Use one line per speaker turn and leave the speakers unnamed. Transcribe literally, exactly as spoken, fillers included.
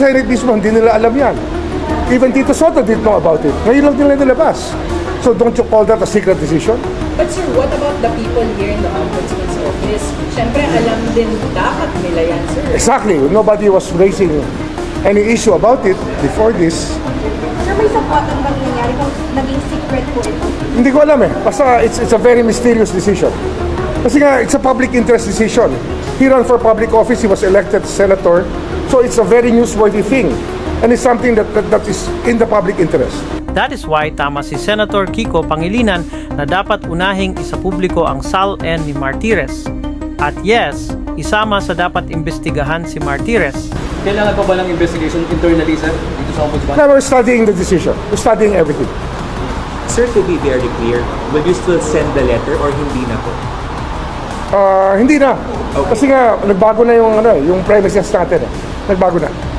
Senate mismo, hindi nila alam yan. Even Tito Soto didn't know about it. Ngayon lang nila nilabas. So don't you call that a secret decision?
But sir, what about the people here in the Ombudsman's office? Siyempre, alam din dapat nila yan, sir.
Exactly. Nobody was raising any issue about it before this.
Sir, may sapuatan bang nangyari kung naging secret po ito?
Hindi ko alam eh. Basta it's, it's a very mysterious decision. Kasi nga, it's a public interest decision. He ran for public office. He was elected senator. So it's a very newsworthy thing. And it's something that, that, that is in the public interest.
That is why tama si Senator Kiko Pangilinan na dapat unahing isapubliko ang S A L-N ni Martires. At yes, isama sa dapat imbestigahan si Martires.
Kailangan pa ba ng investigation internally, sir, dito sa Ombudsman?
Now we're studying the decision. We're studying everything.
Sir, to be very clear, will you still send the letter or hindi na po?
Uh, hindi na. Kasi nga, nagbago na yung, ano, yung premises natin. Eh. Nagbago na.